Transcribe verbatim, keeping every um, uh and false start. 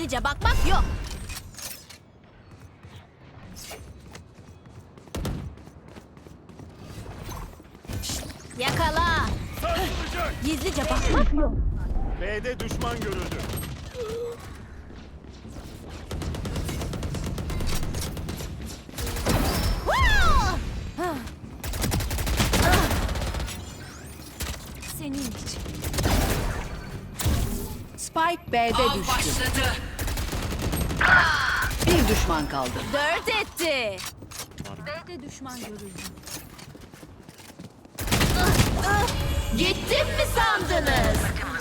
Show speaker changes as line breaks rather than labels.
Gizlice bakmak yok. Yakala.
Sarsılacak.
Gizlice bakmak yok.
B'de düşman görüldü.
Senin için.
Spike B'de
Av
düştü.
başladı.
Bir düşman kaldı.
Dört etti. B'de düşman görüldü. Gittim mi sandınız?